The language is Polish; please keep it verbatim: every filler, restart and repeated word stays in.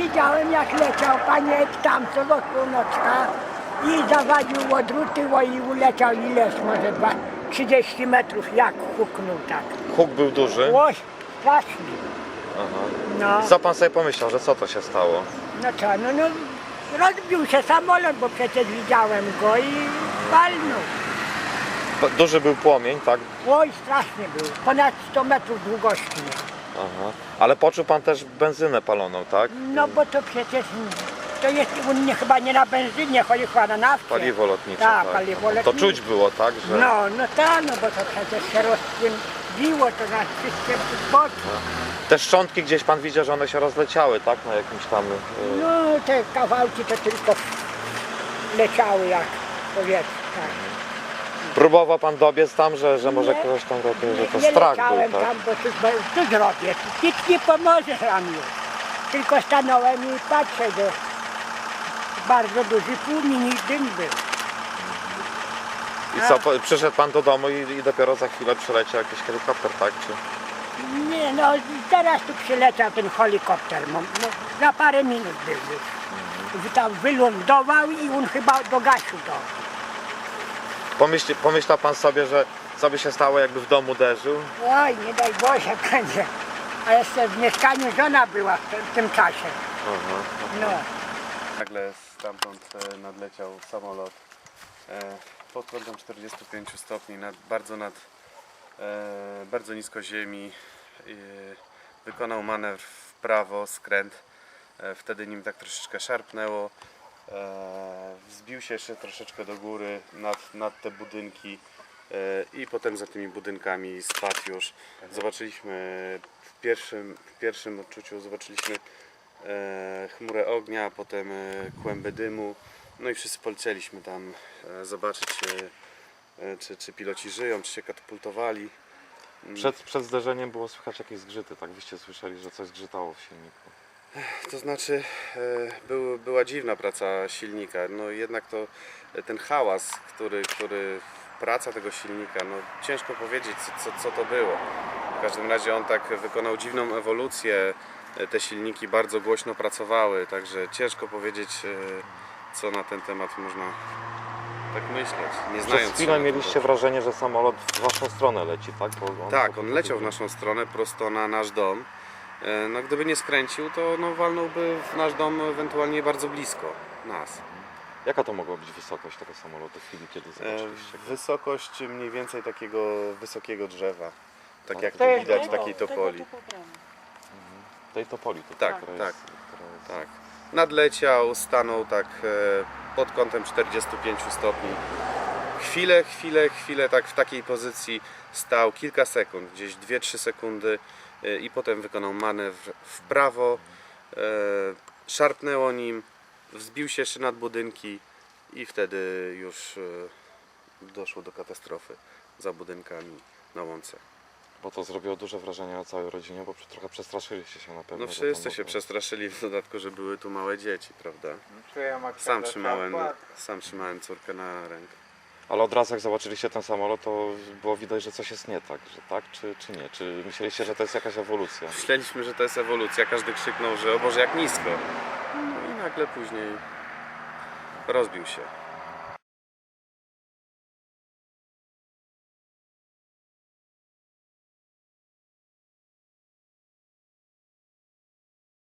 widziałem jak leciał paniek tam co do północka i zawadził odrutyło i uleciał ileś może dwa, trzydzieści metrów jak huknął tak. Huk był duży. Oj, strasznie. Aha. No, Co pan sobie pomyślał, że co to się stało? no co, no, no rozbił się samolot, bo przecież widziałem go i walnął. P- Duży był płomień, tak? Oj, strasznie był, ponad sto metrów długości. Aha. Ale poczuł pan też benzynę paloną, tak? No bo to przecież to jest u mnie chyba nie na benzynie, chodzi chyba na nafcie. Paliwo lotnicze. Tak, tak. paliwo Aha. To lotnicze. czuć było, tak? Że... No, no tak, no bo to przecież się rozpłynęło to na wszystkie boki. Te szczątki gdzieś pan widział, że one się rozleciały, tak? Na jakimś tam... y, No te kawałki to tylko leciały jak powietrze. Tak. Próbował pan dobiec tam, że, że może Nie. kogoś tam ratuje, że Nie, to nie strach był, leciałem tak? tam, bo tu, bo tu zrobię, nic nie pomoże nam już. Tylko stanąłem i patrzę, że bardzo duży płomień i dym był. I co, po- przyszedł pan do domu i, i dopiero za chwilę przyleciał jakiś helikopter, tak? Czy... Nie no, teraz tu przyleciał ten helikopter, no, no, za parę minut był już. Mhm. Tam wylądował i on chyba dogasił to. Pomyśl, pomyślał pan sobie, że co by się stało, jakby w domu uderzył? Oj, nie daj Boże będzie. A jeszcze w mieszkaniu żona była w tym, w tym czasie. Aha. No. Nagle stamtąd e, nadleciał samolot e, pod kątem czterdziestu pięciu stopni, nad, bardzo, nad, e, bardzo nisko ziemi. E, wykonał manewr w prawo, skręt. E, wtedy nim tak troszeczkę szarpnęło. E, wzbił się jeszcze troszeczkę do góry nad, nad te budynki e, i potem za tymi budynkami spadł już. Zobaczyliśmy w pierwszym, w pierwszym odczuciu zobaczyliśmy e, chmurę ognia, potem e, kłęby dymu. No i wszyscy polecieliśmy tam e, zobaczyć e, e, czy, czy piloci żyją, czy się katapultowali. Przed, przed zderzeniem było słychać jakieś zgrzyty, tak? Wyście słyszeli, że coś zgrzytało w silniku. To znaczy e, był, była dziwna praca silnika, no jednak to e, ten hałas, który, który praca tego silnika, no ciężko powiedzieć co, co, co to było. W każdym razie on tak wykonał dziwną ewolucję, e, te silniki bardzo głośno pracowały, także ciężko powiedzieć e, co na ten temat można tak myśleć, nie znając Przez się chwilę na tym mieliście dobrze. wrażenie, że samolot w waszą stronę leci, tak? Bo on Tak, on leciał w naszą stronę, prosto na nasz dom. E, No gdyby nie skręcił, to no, walnąłby w nasz dom ewentualnie bardzo blisko nas. Jaka to mogła być wysokość tego samolotu w chwili, kiedy E, zobaczyliście go? Wysokość mniej więcej takiego wysokiego drzewa. Tak Tak. jak To tu jest widać, drzewo. takiej topoli. Tej topoli tutaj, Tak, która tak, jest, która jest... Tak. Nadleciał, stanął tak e, pod kątem czterdziestu pięciu stopni. Chwilę, chwilę, chwilę tak w takiej pozycji stał kilka sekund, gdzieś dwie trzy sekundy e, i potem wykonał manewr w prawo, e, szarpnęło nim, wzbił się jeszcze nad budynki i wtedy już e, doszło do katastrofy za budynkami na łące. Bo to zrobiło duże wrażenie na całej rodzinie, bo przy- trochę przestraszyliście się na pewno. No że wszyscy tam się było- przestraszyli, w dodatku, że były tu małe dzieci, prawda? Czuję jak Sam trzymałem, sam trzymałem córkę na rękę. Ale od razu jak zobaczyliście ten samolot, to było widać, że coś jest nie tak, że tak czy, czy nie? Czy myśleliście, że to jest jakaś ewolucja? Myśleliśmy, że to jest ewolucja, każdy krzyknął, że o Boże jak nisko. No i nagle później rozbił się.